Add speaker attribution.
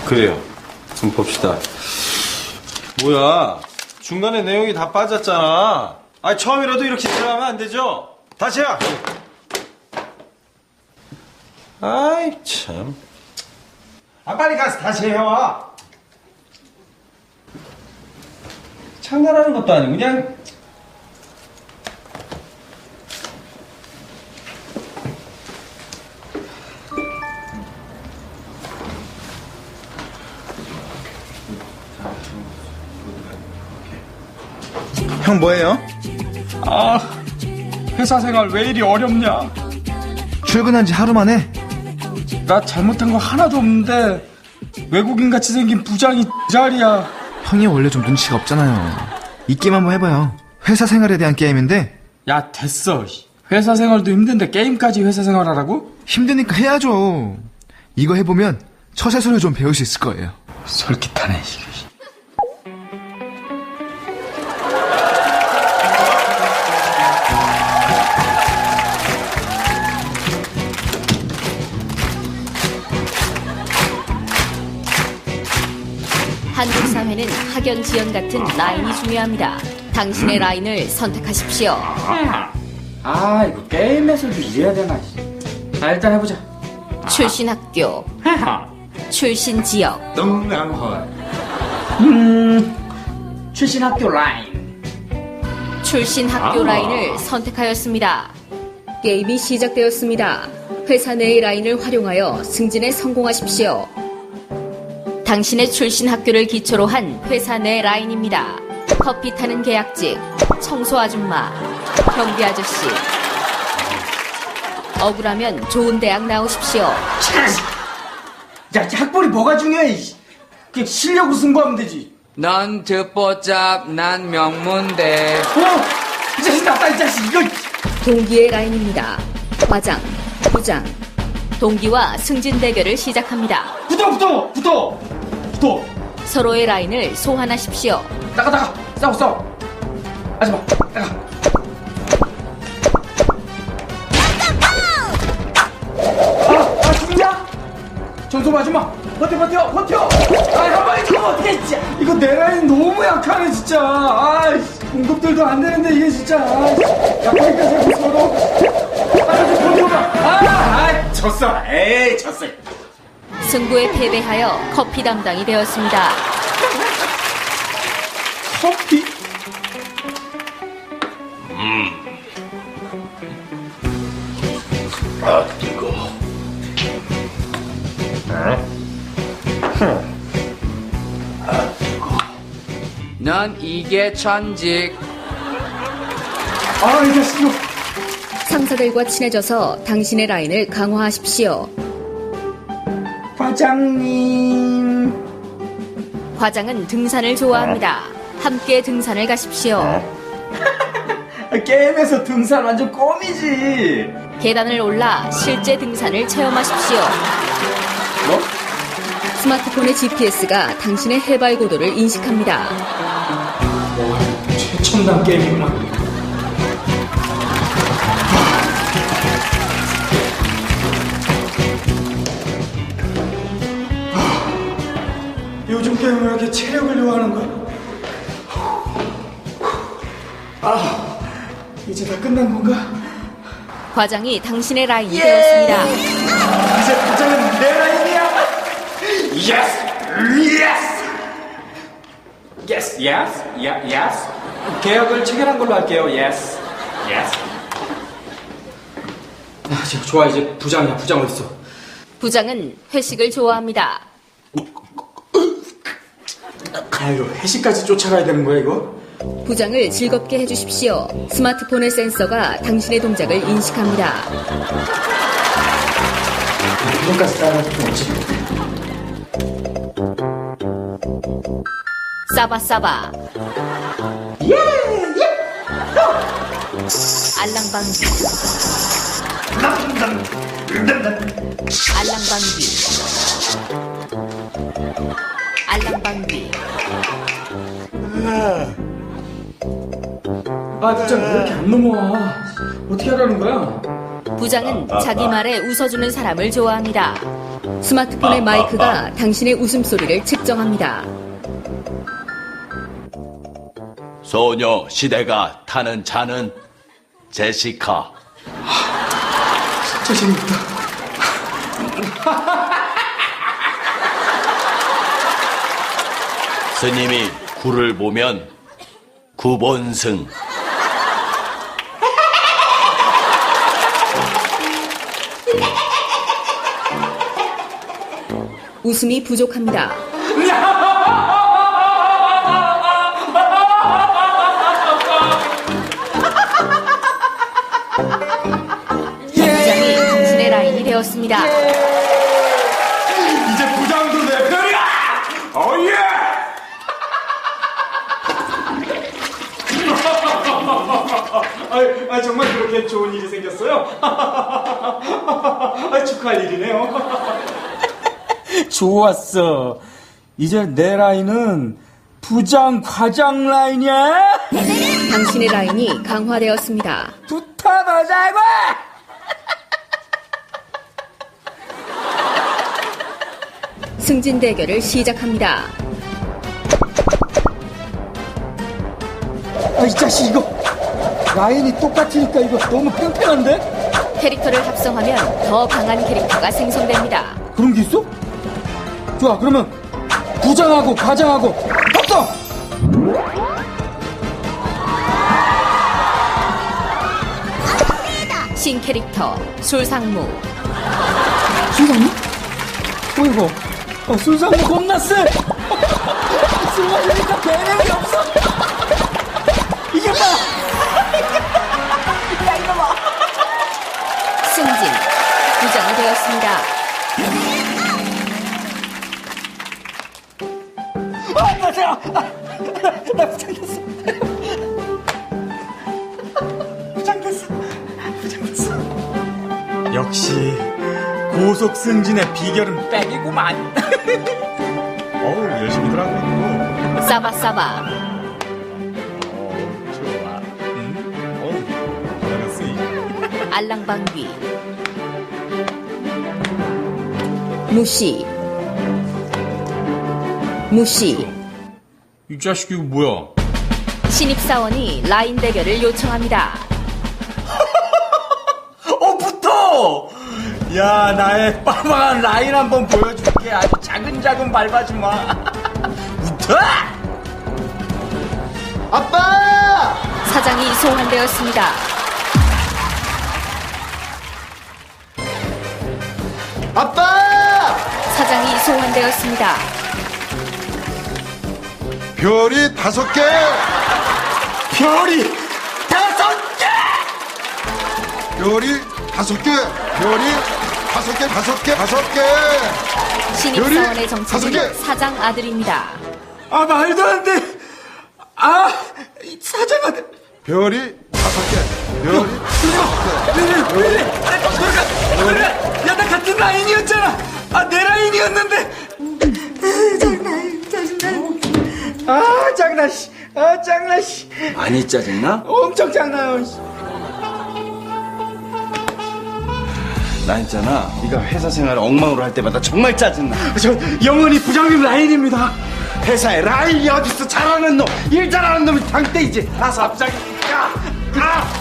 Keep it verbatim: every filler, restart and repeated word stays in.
Speaker 1: 그래요. 좀 봅시다. 뭐야, 중간에 내용이 다 빠졌잖아. 아니, 처음이라도 이렇게 들어가면 안 되죠? 다시야. 아이 참. 아, 빨리 가서 다시 해요. 장난하는 것도 아니고 그냥.
Speaker 2: 형 뭐해요?
Speaker 3: 아, 회사 생활 왜 이리 어렵냐?
Speaker 2: 출근한 지 하루 만에?
Speaker 3: 나 잘못한 거 하나도 없는데 외국인같이 생긴 부장이 자리야.
Speaker 2: 형이 원래 좀 눈치가 없잖아요. 이 게임 한번 해봐요. 회사 생활에 대한 게임인데.
Speaker 3: 야, 됐어. 회사 생활도 힘든데 게임까지 회사 생활하라고?
Speaker 2: 힘드니까 해야죠. 이거 해보면 처세술을 좀 배울 수 있을 거예요.
Speaker 3: 솔깃하네.
Speaker 4: 한국 사회는 학연, 지연 같은 라인이 중요합니다. 당신의 라인을 선택하십시오.
Speaker 3: 아, 이거 게임에서도 이래야 되나. 아, 일단 해보자.
Speaker 4: 출신 학교, 출신 지역,
Speaker 3: 음, 출신 학교 라인.
Speaker 4: 출신 학교 라인을 선택하였습니다. 게임이 시작되었습니다. 회사 내의 라인을 활용하여 승진에 성공하십시오. 당신의 출신 학교를 기초로 한 회사 내 라인입니다. 커피 타는 계약직, 청소 아줌마, 경비 아저씨. 억울하면 좋은 대학 나오십시오.
Speaker 3: 야, 학벌이 뭐가 중요해? 그냥 실력으로 승부하면 되지.
Speaker 5: 넌 듣보잡, 난 명문대.
Speaker 3: 어? 이 자식 나빠, 이 자식. 이거.
Speaker 4: 동기의 라인입니다. 과장, 부장. 동기와 승진 대결을 시작합니다.
Speaker 3: 붙어, 붙어, 붙어, 붙어.
Speaker 4: 서로의 라인을 소환하십시오.
Speaker 3: 나가, 나가. 싸워, 싸워. 하지마, 나가. 아, 아, 죽냐? 전소부 아줌마, 버텨, 버텨, 버텨. 아, 한 방에 죽으면 어떡해, 진짜. 이거 내 라인 너무 약하네, 진짜. 아, 공급들도 안 되는데, 이게 진짜. 약하니까 자꾸 서로. 아, 좀 버텨봐. 아, 아, 졌어. 에이, 졌어.
Speaker 4: 승부에 패배하여 커피 담당이 되었습니다.
Speaker 3: 커피?
Speaker 1: 아, 뜨거. 아, 뜨거.
Speaker 5: 넌 이게 천직.
Speaker 3: 아, 이 자식 이거.
Speaker 4: 상사들과 친해져서 당신의 라인을 강화하십시오.
Speaker 3: 과장님.
Speaker 4: 과장은 등산을 좋아합니다. 함께 등산을 가십시오.
Speaker 3: 게임에서 등산 완전 껌이지.
Speaker 4: 계단을 올라 실제 등산을 체험하십시오.
Speaker 3: 뭐?
Speaker 4: 스마트폰의 지피에스가 당신의 해발 고도를 인식합니다.
Speaker 3: 최첨단 게임이구나. 요즘 게임은 왜 이렇게 체력을 요하는 거야? 아, 이제 다 끝난 건가?
Speaker 4: 과장이 당신의 라인이 되었습니다.
Speaker 3: 이제 부장은 내 라인이야. Yes, yes, yes, yes, yes, yes. 계약을 체결한 걸로 할게요. Yes, yes. 아, 지금 좋아. 이제 부장이야. 부장 어딨어?
Speaker 4: 부장은 회식을 좋아합니다.
Speaker 3: 아, 이거 회식까지 쫓아가야 되는 거야, 이거?
Speaker 4: 부장을 즐겁게 해주십시오. 스마트폰의 센서가 당신의 동작을 인식합니다.
Speaker 3: 이런까지 따라갈 필요 없지.
Speaker 4: 싸바싸바.
Speaker 3: 예! 예!
Speaker 4: 알랑방귀. 알랑방귀. 알랑방귀.
Speaker 3: 아, 진짜 왜 이렇게 안 넘어와? 어떻게 하라는 거야?
Speaker 4: 부장은 자기 말에 웃어주는 사람을 좋아합니다. 스마트폰의 마이크가 당신의 웃음소리를 측정합니다.
Speaker 6: 소녀 시대가 타는 차는 제시카.
Speaker 3: 진짜 재밌다.
Speaker 6: 스님이 구를 보면 구본승.
Speaker 4: 웃음이 부족합니다. 부장이 당신의 라인이 되었습니다.
Speaker 3: 이제 부장도 내 편이야! 어예! 아, 정말 그렇게 좋은 일이 생겼어요? 아, 축하할 일이네요. 좋았어. 이제 내 라인은 부장 과장 라인이야?
Speaker 4: 당신의 라인이 강화되었습니다.
Speaker 3: 붙어보자고!
Speaker 4: 승진 대결을 시작합니다.
Speaker 3: 아, 이 자식 이거 라인이 똑같으니까 이거 너무 팽팽한데?
Speaker 4: 캐릭터를 합성하면 더 강한 캐릭터가 생성됩니다.
Speaker 3: 그런 게 있어? 좋아, 그러면 부장하고 과장하고 합성!
Speaker 4: 신캐릭터 술상무.
Speaker 3: 술상무? 어이구, 어, 술상무 겁나 세! 술 마시니까 배는 없어! 이게 봐!
Speaker 4: 승진 부장이 되었습니다.
Speaker 3: 아, 맞아! 아, 나 부장 됐어! 부장 됐어! 부장 됐어! 역시 고속 승진의 비결은 백이구만!
Speaker 1: 어우, 열심히들 하고 있고.
Speaker 4: 싸바싸바.
Speaker 1: 어, 좋아. 응? 어우, 잘했어.
Speaker 4: 알랑방귀. 무시. 무시.
Speaker 1: 이 자식 이거 뭐야?
Speaker 4: 신입사원이 라인 대결을 요청합니다.
Speaker 3: 어, 붙어! 야, 나의 빠방한 라인 한번 보여줄게. 아주 자근자근 밟아주마. 붙어! 아빠!
Speaker 4: 사장이 소환되었습니다.
Speaker 3: 아빠!
Speaker 4: 사장이 소환되었습니다.
Speaker 7: 별이 다섯 개!
Speaker 3: 별이 다섯 개!
Speaker 7: 별이 다섯 개! 별이 다섯 개, 다섯 개, 다섯 개!
Speaker 4: 신입사원의
Speaker 7: 별이 다섯
Speaker 4: 정체는
Speaker 7: 개!
Speaker 4: 사장 아들입니다.
Speaker 3: 아, 말도 안 돼! 아, 이 사장 아들.
Speaker 7: 별이 다섯 개! 별이
Speaker 3: 왜 이래, 왜 이래? 아, 너가, 그래. 야, 나 같은 라인이었잖아! 아, 내 라인이었는데! 짜증나, 짜증나. 아, 짜증나, 씨. 아, 짜증나, 씨.
Speaker 5: 많이 짜증나?
Speaker 3: 엄청 짜증나요, 씨.
Speaker 1: 나 있잖아. 네가 회사 생활을 엉망으로 할 때마다 정말 짜증나.
Speaker 3: 저, 영원히 부장님 라인입니다.
Speaker 1: 회사에 라인이 어딨어? 잘하는 놈, 일 잘하는 놈이 당대이지. 아, 갑자기. 야, 아,